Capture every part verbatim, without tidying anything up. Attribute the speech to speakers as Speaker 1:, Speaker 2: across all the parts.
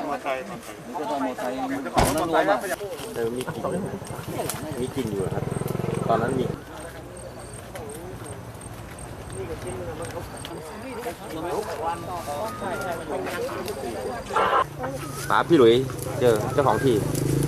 Speaker 1: มอไซค์
Speaker 2: ก็ต้องมอไซค์ของนั้นรวมอ่ะ
Speaker 3: แต่มีกลิ่นมีกลิ่นอยู่ครับตอนนั้นมีป๋าพี่หลุยเจอเจ้าของที่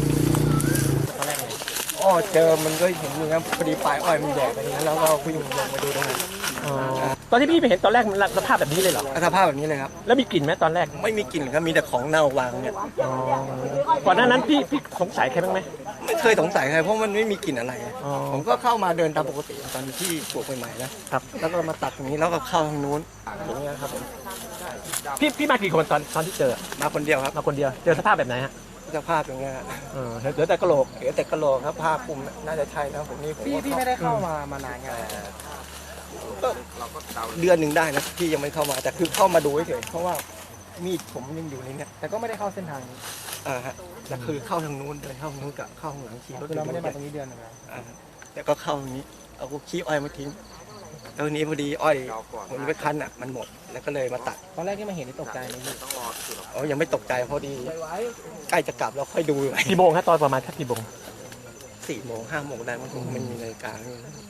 Speaker 2: อ๋อเจอมันก็เห็นอยู่ครับพอดีปลายอ้อยมันแดกไปนี้แล้วก็ผู้หญิงลงมาดูตรงนั้น
Speaker 4: ตอนที่พี่ไปเห็นตอนแรกมันสภาพแบบนี้เลยเหรอ
Speaker 2: สภาพแบบนี้เลยครับ
Speaker 4: แล้วมีกลิ่นไหมตอนแรก
Speaker 2: ไม่มีกลิ่นครับมีแต่ของเน่าวางเนี่ย
Speaker 4: ก่อนหน้านั้นพี่พี่สงสัยใครบ้างไหม
Speaker 2: ไม่เคยสงสัยใครเพราะมันไม่มีกลิ่นอะไรผมก็เข้ามาเดินตามปกติตอนที่ปลูกใหม่ๆนะครับแล้วก็มาตัดตรงนี้แล้วก็เข้าทางนู้นอย่างเงี้ยครับผม
Speaker 4: พี่พี่มากี่คนตอนตอนที่เจอ
Speaker 2: มาคนเดียวครับ
Speaker 4: มาคนเดียวเจอสภาพแบบไหนฮะ
Speaker 2: สภาพอย่างเงี้ย
Speaker 4: เออเหลือแต่กระโหลก
Speaker 2: เหลือแต่กระโหลกครับผ้าคลุมน่าจะใช่นะผมนี่
Speaker 4: พี่พี่ไม่ได้เข้ามามานานไง
Speaker 2: ก็เดือนหนึ่งได้นะพี่ยังไม่เข้ามาแต่คือเข้ามาดูเฉยเพราะว่ามีดผมยังอยู่ในนี้
Speaker 4: แต่ก็ไม่ได้เข้าเส้นทางนี้
Speaker 2: อ่าฮะแต่คือเข้าทางนู้นเดินเข้าทางนู้นกับเข้าทางหลังขี่รถ
Speaker 4: เราไม่ได้มาตรงนี้เดือนนึงแล้ว
Speaker 2: อ่าแต่ก็เข้าตรงนี้เอาขี้อ้อยมาทิ้งตรงนี้พอดีอ้อยผมไปคั้นอ่ะมันหมดแล้วก็เลยมาตัด
Speaker 4: ตอนแรกที่มาเห็นนี่ตกใจไหมพี่
Speaker 2: อ๋อยังไม่ตกใจพอดีใกล้จะกลับแล้วค่อยดู
Speaker 4: กี่โมงครับตอนประมาณกี่โมง
Speaker 2: สี่โมงห้าโมงได้มันมันมีนาฬิกา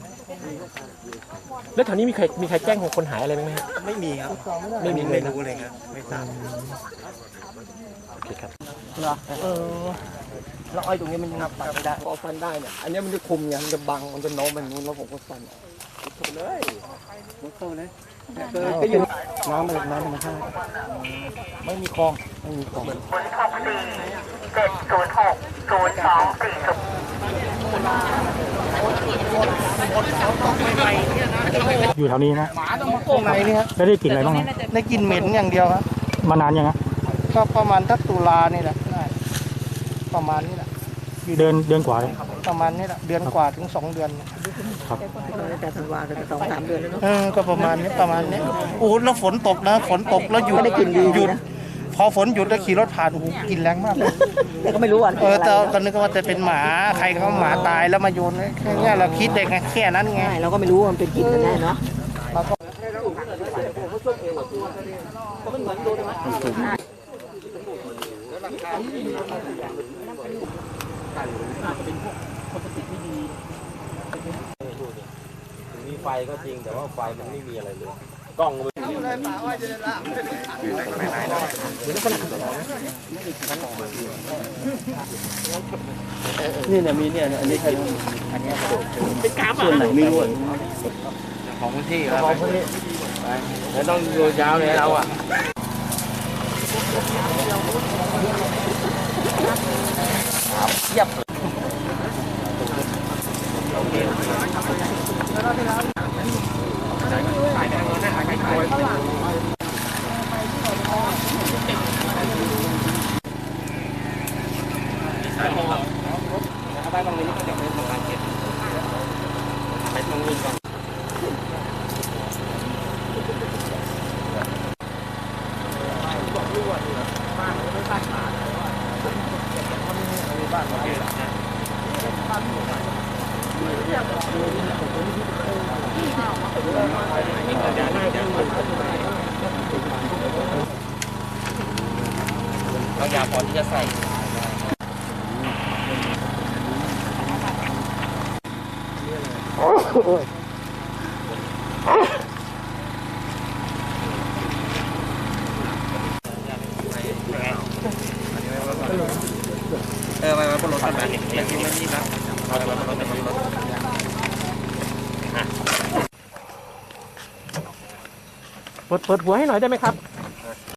Speaker 4: แล้วแถวนี้มีใครมีใครแจ้งคนหายอะไรไหม
Speaker 2: ไม่มีครับ
Speaker 4: ไม่มี
Speaker 2: ไม่รู้เลยครับไม่ทราบ
Speaker 4: โอเคครับ
Speaker 2: เหรอเออแล้วอ้อยตรงนี้มันนับตัดไม่ได้พอฟันได้เนี่ยอันนี้มันจะคุมไงมันจะบังมันจะโน้มไปนู้นแล้วผมก็ฟันถูกเลยมุดเข้าเลยก็อยู่น้ำมันน้ำธรรมชาติไม่มีคลองไม่มีคลอง
Speaker 5: หกสี่เจ็ดศูนย์หกศูนย์สองสี่ศูนย์
Speaker 6: อยู่แถวนี้นะ
Speaker 2: ตรงไหนนี่ครับ
Speaker 6: แล้วได้กลิ่นอะไรบ้าง
Speaker 2: ได้กลิ่นเหม็นอย่างเดียวครับ
Speaker 6: มานานยังไง
Speaker 2: ก็ประมาณทักตุลานี่แหละประมาณนี้แหละ
Speaker 6: เดือนเดือนกว่าเลย
Speaker 2: ประมาณนี้แหละเดือนกว่าถึงสองเดือน
Speaker 6: ครับ
Speaker 2: แต่ธันวาก็สองสามเดือนแล้วเนาะเออก็ประมาณนี้ประมาณนี้โอ้แล้วฝนตกนะฝนตกแล้วหยุดไม่ได้กลิ่นดีหยุดพอฝนหยุดแล้วขี่รถผ่านโอ้โหกลิ่นแรงมาก
Speaker 7: แต่ก็ไม่รู้อ่ะ
Speaker 2: เออแต่ก็นึกว่าจะเป็นหมาใครเขาหมาตายแล้วมาโยนแค่นี้เราคิดเด็กไงแค่นั้นไง
Speaker 7: เราก็ไม่รู้ว่ามันเป็นกลิ่นกันแน่เนาะ
Speaker 3: มีไฟก็จริงแต่ว่าไฟมันไม่มีอะไรเลยกล้องมัน
Speaker 2: นี่เนี่ยมีเนี่ยอันนี้ใครอันนี้เป็นกราฟส่วนไหนไม่รู้
Speaker 3: ของพื้นที่ครับของพื้นที่แล้วต้องดูยาวเลยเราอ่ะ
Speaker 2: เยียบไปตรงนี้ก็จะเป็นของการเก็บไปตรงนี้ก่อนบอกลูกว่าบ้านไม่บ้านขาดบ้านเราเนี่ยบ้านอยู่ไหนเราอยากพอที่จะใส่เออไปไปบนรถกันไปไม่ทิ้งไม่ทิ้งนะไปไปบนรถไปบนรถ
Speaker 4: เปิดเปิดหัวให้หน่อยได้ไหมครับ